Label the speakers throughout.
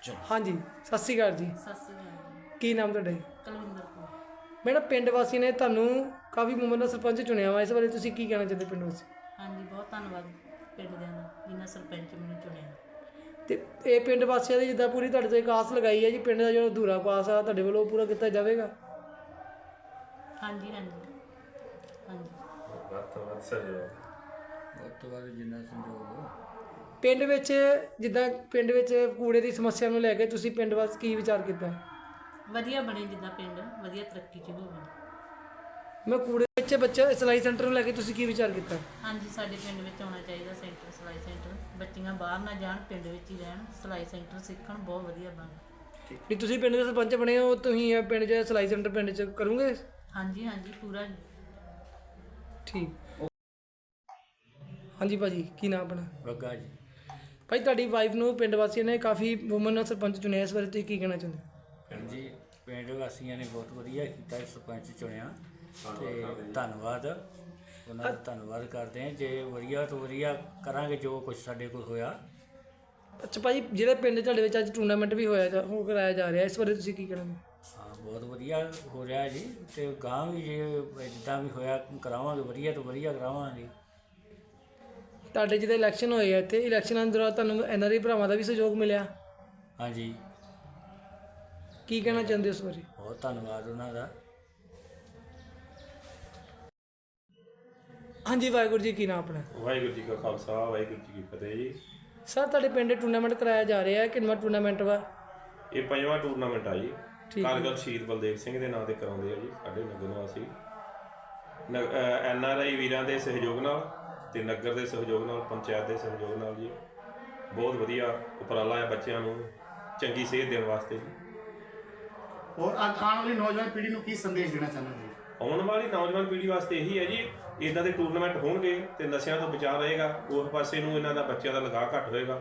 Speaker 1: हाँ जी सत श्री अकाल जी की नाम ਤੁਹਾਡਾ ਜੀ?
Speaker 2: ਕੁਲਵਿੰਦਰ ਕੌਰ।
Speaker 1: ਮੈਡਮ ਪਿੰਡ ਵਾਸੀ ਨੇ ਤੁਹਾਨੂੰ ਕਾਫੀ ਉਮਰ ਦਾ ਸਰਪੰਚ ਚੁਣਿਆ ਵਾ, ਇਸ ਬਾਰੇ ਤੁਸੀਂ ਕੀ ਕਹਿਣਾ ਚਾਹੁੰਦੇ ਪਿੰਡ ਵਾਸੀ?
Speaker 2: ਹਾਂਜੀ ਬਹੁਤ ਧੰਨਵਾਦ ਪਿੰਡ ਦਿਆਂ ਦਾ ਜਿਨ੍ਹਾਂ ਸਰਪੰਚ ਮੈਨੂੰ ਚੁਣਿਆ।
Speaker 1: ਤੇ ਇਹ ਪਿੰਡ ਵਾਸੀਆਂ ਦੀ ਜਿੱਦਾਂ ਪੂਰੀ ਤੁਹਾਡੇ ਤੋਂ ਇੱਕ ਆਸ ਲਗਾਈ ਹੈ ਜੀ, ਪਿੰਡ ਦਾ ਜਿਹੜਾ ਅਧੂਰਾ ਪਾਸ ਆ ਤੁਹਾਡੇ ਵੱਲੋਂ ਪੂਰਾ ਕੀਤਾ ਜਾਵੇਗਾ?
Speaker 2: ਹਾਂਜੀ ਹਾਂਜੀ ਹਾਂਜੀ
Speaker 3: ਜਿੰਨਾ ਸੰਯੋਗ
Speaker 1: ਪਿੰਡ ਵਿੱਚ ਜਿੱਦਾਂ ਪਿੰਡ ਵਿੱਚ ਕੂੜੇ ਦੀ ਸਮੱਸਿਆ ਨੂੰ ਲੈ ਕੇ ਤੁਸੀਂ ਪਿੰਡ ਵਾਸਤੇ ਕੀ ਵਿਚਾਰ ਕੀਤਾ?
Speaker 2: ਵਧੀਆ ਬਣੇ, ਜਿੱਦਾਂ ਪਿੰਡ ਵਧੀਆ ਤਰੱਕੀ 'ਚ ਹੋਵੇ।
Speaker 1: ਮੈਂ ਕੂੜੇ ਵਿੱਚ ਬੱਚਾ ਸਿਲਾਈ ਸੈਂਟਰ ਨੂੰ ਲੈ ਕੇ ਤੁਸੀਂ ਕੀ ਵਿਚਾਰ ਕੀਤਾ?
Speaker 2: ਹਾਂਜੀ ਸਾਡੇ ਪਿੰਡ ਵਿੱਚ ਆਉਣਾ ਚਾਹੀਦਾ ਸੈਂਟਰ, ਸਿਲਾਈ ਸੈਂਟਰ। ਬੱਚੀਆਂ ਬਾਹਰ ਨਾ ਜਾਣ, ਪਿੰਡ ਵਿੱਚ ਹੀ ਰਹਿਣ, ਸਿਲਾਈ ਸੈਂਟਰ ਸਿੱਖਣ, ਬਹੁਤ ਵਧੀਆ ਬਣ।
Speaker 1: ਵੀ ਤੁਸੀਂ ਪਿੰਡ ਦੇ ਸਰਪੰਚ ਬਣੇ ਹੋ, ਤੁਸੀਂ ਇਹ ਪਿੰਡ 'ਚ ਸਿਲਾਈ ਸੈਂਟਰ ਪਿੰਡ 'ਚ ਕਰੋਗੇ?
Speaker 2: ਹਾਂਜੀ ਹਾਂਜੀ ਪੂਰਾ।
Speaker 1: ਠੀਕ। ਹਾਂਜੀ ਭਾਜੀ ਕੀ ਨਾਮ ਆਪਣਾ?
Speaker 3: ਗੱਗਾ ਜੀ।
Speaker 1: ਭਾਈ ਤੁਹਾਡੀ ਵਾਈਫ ਨੂੰ ਪਿੰਡ ਵਾਸੀਆਂ ਨੇ ਕਾਫੀ ਵੂਮਨ ਨਾਲ ਸਰਪੰਚ ਚੁਣਿਆ, ਇਸ ਬਾਰੇ ਤੁਸੀਂ ਕੀ ਕਹਿਣਾ ਚਾਹੁੰਦੇ?
Speaker 3: ਜੀ ਪਿੰਡ ਵਾਸੀਆਂ ਨੇ ਬਹੁਤ ਵਧੀਆ ਕੀਤਾ, ਸਰਪੰਚ ਚੁਣਿਆ ਤੇ ਧੰਨਵਾਦ ਉਹਨਾਂ ਦਾ, ਧੰਨਵਾਦ ਕਰਦੇ ਹਾਂ। ਜੇ ਵਧੀਆ ਤੋਂ ਵਧੀਆ ਕਰਾਂਗੇ ਜੋ ਕੁਝ ਸਾਡੇ ਕੋਲ ਹੋਇਆ।
Speaker 1: ਅੱਛਾ ਭਾਜੀ, ਜਿਹੜੇ ਪਿੰਡ ਤੁਹਾਡੇ ਵਿੱਚ ਅੱਜ ਟੂਰਨਾਮੈਂਟ ਵੀ ਹੋ ਕਰਾਇਆ ਜਾ ਰਿਹਾ, ਇਸ ਬਾਰੇ ਤੁਸੀਂ ਕੀ ਕਹਿਣਾ?
Speaker 3: ਹਾਂ ਬਹੁਤ ਵਧੀਆ ਹੋ ਰਿਹਾ ਜੀ, ਤੇ ਗਾਂ ਵੀ ਜੇ ਜਿੱਦਾਂ ਵੀ ਹੋਇਆ ਕਰਾਵਾਂਗੇ, ਵਧੀਆ ਤੋਂ ਵਧੀਆ ਕਰਾਵਾਂਗੇ।
Speaker 1: ਤੁਹਾਡੇ ਜਿਹਦੇ ਇਲੈਕਸ਼ਨ ਹੋਏ ਆ ਇੱਥੇ, ਇਲੈਕਸ਼ਨਾਂ ਦੌਰਾਨ ਤੁਹਾਨੂੰ NRI ਭਰਾਵਾਂ ਦਾ ਵੀ ਸਹਿਯੋਗ ਮਿਲਿਆ,
Speaker 3: ਹਾਂਜੀ
Speaker 1: ਕੀ ਕਹਿਣਾ ਚਾਹੁੰਦੇ ਹੋ ਉਸ ਬਾਰੇ?
Speaker 3: ਬਹੁਤ ਧੰਨਵਾਦ ਉਹਨਾਂ ਦਾ।
Speaker 1: ਹਾਂਜੀ ਵਾਹਿਗੁਰੂ ਜੀ ਕੀ ਨਾਮ ਆਪਣਾ?
Speaker 4: ਵਾਹਿਗੁਰੂ ਜੀ ਕਾ ਖਾਲਸਾ ਵਾਹਿਗੁਰੂ ਜੀ ਕੀ ਫਤਿਹ ਜੀ।
Speaker 1: ਸਰ ਤੁਹਾਡੇ ਪਿੰਡ ਟੂਰਨਾਮੈਂਟ ਕਰਾਇਆ ਜਾ ਰਿਹਾ ਹੈ, ਕਿੰਨਾ ਟੂਰਨਾਮੈਂਟ ਵਾ?
Speaker 4: ਇਹ 5ਵਾਂ ਟੂਰਨਾਮੈਂਟ ਆ ਜੀ।
Speaker 1: ਠੀਕ ਹੈ।
Speaker 4: ਕਾਰਗਲ ਸ਼ਹੀਦ ਬਲਦੇਵ ਸਿੰਘ ਦੇ ਨਾਂ ਤੇ ਕਰਾਉਂਦੇ ਆ ਜੀ ਸਾਡੇ ਨਗਰ ਨਿਵਾਸੀ। NRI ਵੀਰਾਂ ਦੇ ਸਹਿਯੋਗ ਨਾਲ ਤੇ ਨਗਰ ਦੇ ਸਹਿਯੋਗ ਨਾਲ, ਪੰਚਾਇਤ ਦੇ ਸਹਿਯੋਗ ਨਾਲ ਜੀ। ਬਹੁਤ ਵਧੀਆ ਉਪਰਾਲਾ ਹੈ ਬੱਚਿਆਂ ਨੂੰ ਚੰਗੀ ਸਿਹਤ ਦੇਣ ਵਾਸਤੇ ਜੀ।
Speaker 5: और आने वाली नौजवान पीढ़ी को की संदेश देना चाहते हैं?
Speaker 4: ਆਉਣ ਵਾਲੀ ਨੌਜਵਾਨ ਪੀੜ੍ਹੀ ਵਾਸਤੇ ਇਹੀ ਹੈ ਜੀ, ਇੱਦਾਂ ਦੇ ਟੂਰਨਾਮੈਂਟ ਹੋਣਗੇ ਤੇ ਨਸ਼ਿਆਂ ਤੋਂ ਬਚਾਅ ਰਹੇਗਾ, ਉਸ ਪਾਸੇ ਨੂੰ ਇਹਨਾਂ ਦਾ ਬੱਚਿਆਂ ਦਾ ਲਗਾਅ ਘੱਟ ਹੋਏਗਾ,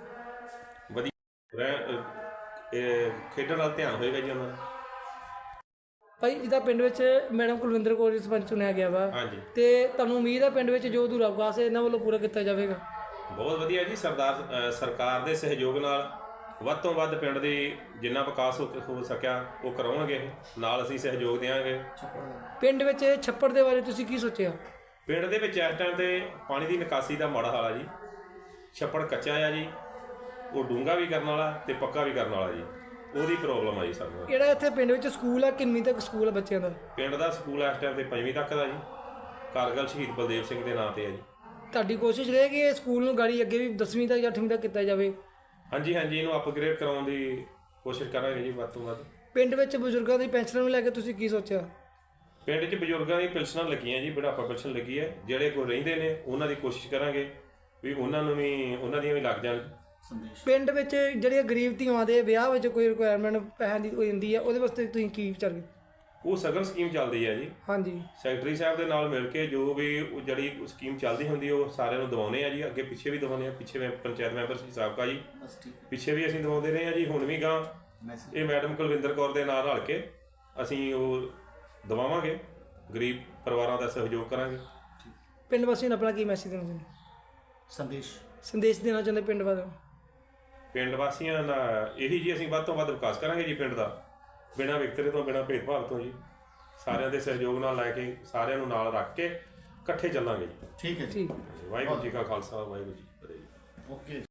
Speaker 4: ਵਧੀਆ ਖੇਡਣ ਨਾਲ ਧਿਆਨ ਹੋਏਗਾ ਜੀ ਉਹਨਾਂ ਦਾ।
Speaker 1: ਭਾਈ ਜਿੱਦਾਂ ਪਿੰਡ ਵਿੱਚ ਮੈਡਮ ਕੁਲਵਿੰਦਰ ਕੌਰ ਜੀ ਸਰਪੰਚ ਚੁਣਿਆ ਗਿਆ ਵਾ,
Speaker 4: ਹਾਂਜੀ
Speaker 1: ਤੇ ਤੁਹਾਨੂੰ ਉਮੀਦ ਹੈ ਪਿੰਡ ਵਿੱਚ ਜੋ ਅਧੂਰਾ ਵਿਕਾਸ ਹੈ ਇਹਨਾਂ ਵੱਲੋਂ ਪੂਰਾ ਕੀਤਾ ਜਾਵੇਗਾ?
Speaker 4: ਬਹੁਤ ਵਧੀਆ ਜੀ। ਸਰਕਾਰ ਦੇ ਸਹਿਯੋਗ ਨਾਲ ਵੱਧ ਤੋਂ ਵੱਧ ਪਿੰਡ ਦੀ ਜਿੰਨਾ ਵਿਕਾਸ ਹੋ ਸਕਿਆ ਉਹ ਕਰਾਉਣਗੇ, ਨਾਲ ਅਸੀਂ ਸਹਿਯੋਗ ਦੇਵਾਂਗੇ।
Speaker 1: ਪਿੰਡ ਵਿੱਚ ਛੱਪੜ ਦੇ ਬਾਰੇ ਤੁਸੀਂ ਕੀ ਸੋਚਿਆ?
Speaker 4: ਪਿੰਡ ਦੇ ਵਿੱਚ ਇਸ ਟਾਈਮ ਤੇ ਪਾਣੀ ਦੀ ਨਿਕਾਸੀ ਦਾ ਮਾੜਾ ਹਾਲ ਆ ਜੀ। ਛੱਪੜ ਕੱਚਾ ਆ ਜੀ, ਉਹ ਡੂੰਘਾ ਵੀ ਕਰਨ ਵਾਲਾ ਤੇ ਪੱਕਾ ਵੀ ਕਰਨ ਵਾਲਾ ਜੀ, ਉਹਦੀ ਪ੍ਰੋਬਲਮ ਆ ਜੀ ਸਾਨੂੰ।
Speaker 1: ਜਿਹੜਾ ਇੱਥੇ ਪਿੰਡ ਵਿੱਚ ਸਕੂਲ ਆ, ਕਿੰਨੀ ਤੱਕ ਸਕੂਲ ਆ ਬੱਚਿਆਂ ਦਾ?
Speaker 4: ਪਿੰਡ ਦਾ ਸਕੂਲ ਇਸ ਟਾਈਮ ਤੇ 5ਵੀਂ ਤੱਕ ਦਾ ਜੀ, ਕਾਰਗਲ ਸ਼ਹੀਦ ਬਲਦੇਵ ਸਿੰਘ ਦੇ ਨਾਂ ਤੇ ਆ ਜੀ।
Speaker 1: ਤੁਹਾਡੀ ਕੋਸ਼ਿਸ਼ ਰਹੇ ਕਿ ਇਹ ਸਕੂਲ ਨੂੰ ਗਾੜੀ ਅੱਗੇ ਵੀ 10ਵੀਂ ਤੱਕ ਜਾਂ 8ਵੀਂ ਤੱਕ ਕੀਤਾ ਜਾਵੇ?
Speaker 4: ਹਾਂਜੀ ਹਾਂਜੀ, ਇਹਨੂੰ ਅਪਗ੍ਰੇਡ ਕਰਾਉਣ ਦੀ ਕੋਸ਼ਿਸ਼ ਕਰਾਂਗੇ ਜੀ ਵੱਧ ਤੋਂ ਵੱਧ।
Speaker 1: ਪਿੰਡ ਵਿੱਚ ਬਜ਼ੁਰਗਾਂ ਦੀ ਪੈਨਸ਼ਨ ਨੂੰ ਲੈ ਕੇ ਤੁਸੀਂ ਕੀ ਸੋਚਿਆ?
Speaker 4: ਪਿੰਡ 'ਚ ਬਜ਼ੁਰਗਾਂ ਦੀ ਪੈਨਸ਼ਨਾਂ ਲੱਗੀਆਂ ਜੀ, ਬੁਢਾਪਾ ਪੈਨਸ਼ਨ ਲੱਗੀ ਹੈ। ਜਿਹੜੇ ਕੋਈ ਰਹਿੰਦੇ ਨੇ ਉਹਨਾਂ ਦੀ ਕੋਸ਼ਿਸ਼ ਕਰਾਂਗੇ ਵੀ ਉਹਨਾਂ ਨੂੰ ਵੀ ਉਹਨਾਂ ਦੀਆਂ ਵੀ ਲੱਗ ਜਾਣ।
Speaker 1: ਪਿੰਡ ਵਿੱਚ ਜਿਹੜੀਆਂ ਗਰੀਬ ਧੀਆਂ ਦੇ ਵਿਆਹ ਵਿੱਚ ਕੋਈ ਰਿਕੁਆਇਰਮੈਂਟ ਪੈਸਿਆਂ ਦੀ ਹੋ ਜਾਂਦੀ ਹੈ, ਉਹਦੇ ਵਾਸਤੇ ਤੁਸੀਂ ਕੀ ਵਿਚਾਰ ਕਰਦੇ?
Speaker 4: ਉਹ ਸਗਨ ਸਕੀਮ ਚੱਲਦੀ ਹੈ ਜੀ,
Speaker 1: ਹਾਂਜੀ
Speaker 4: ਸੈਕਟਰੀ ਸਾਹਿਬ ਦੇ ਨਾਲ ਮਿਲ ਕੇ ਜੋ ਵੀ ਉਹ ਜਿਹੜੀ ਸਕੀਮ ਚੱਲਦੀ ਹੁੰਦੀ ਉਹ ਸਾਰਿਆਂ ਨੂੰ ਦਿਵਾਉਂਦੇ ਆ ਜੀ। ਅੱਗੇ ਪਿੱਛੇ ਵੀ ਦਿਵਾਉਂਦੇ ਆ, ਪਿੱਛੇ ਮੈਂ ਪੰਚਾਇਤ ਮੈਂਬਰ ਸੀ ਸਾਬਕਾ ਜੀ, ਪਿੱਛੇ ਵੀ ਅਸੀਂ ਦਿਵਾਉਂਦੇ ਰਹੇ ਆ ਜੀ, ਹੁਣ ਵੀ ਗਾਂ ਇਹ ਮੈਡਮ ਕੁਲਵਿੰਦਰ ਕੌਰ ਦੇ ਨਾਲ ਰਲ ਕੇ ਅਸੀਂ ਉਹ ਦਿਵਾਵਾਂਗੇ। ਗਰੀਬ ਪਰਿਵਾਰਾਂ ਦਾ ਸਹਿਯੋਗ ਕਰਾਂਗੇ।
Speaker 1: ਪਿੰਡ ਵਾਸੀਆਂ ਨੂੰ ਆਪਣਾ ਕੀ ਮੈਸੇਜ ਦੇਣਾ ਚਾਹੁੰਦੇ? ਸੰਦੇਸ਼ ਦੇਣਾ ਚਾਹੁੰਦੇ ਪਿੰਡ ਵਾਲਿਆਂ ਨੂੰ?
Speaker 4: ਪਿੰਡ ਵਾਸੀਆਂ ਦਾ ਇਹੀ ਜੀ, ਅਸੀਂ ਵੱਧ ਤੋਂ ਵੱਧ ਵਿਕਾਸ ਕਰਾਂਗੇ ਜੀ ਪਿੰਡ ਦਾ, ਬਿਨਾਂ ਵਿਤਕਰੇ ਤੋਂ, ਬਿਨਾਂ ਭੇਦਭਾਵ ਤੋਂ ਜੀ। ਸਾਰਿਆਂ ਦੇ ਸਹਿਯੋਗ ਨਾਲ ਲੈ ਕੇ, ਸਾਰਿਆਂ ਨੂੰ ਨਾਲ ਰੱਖ ਕੇ ਇਕੱਠੇ ਚੱਲਾਂਗੇ ਜੀ।
Speaker 5: ठीक है
Speaker 1: ਠੀਕ।
Speaker 4: ਵਾਹਿਗੁਰੂ ਜੀ ਕਾ ਖਾਲਸਾ ਵਾਹਿਗੁਰੂ ਜੀ ਕੀ ਫਤਿਹ।
Speaker 5: ओके।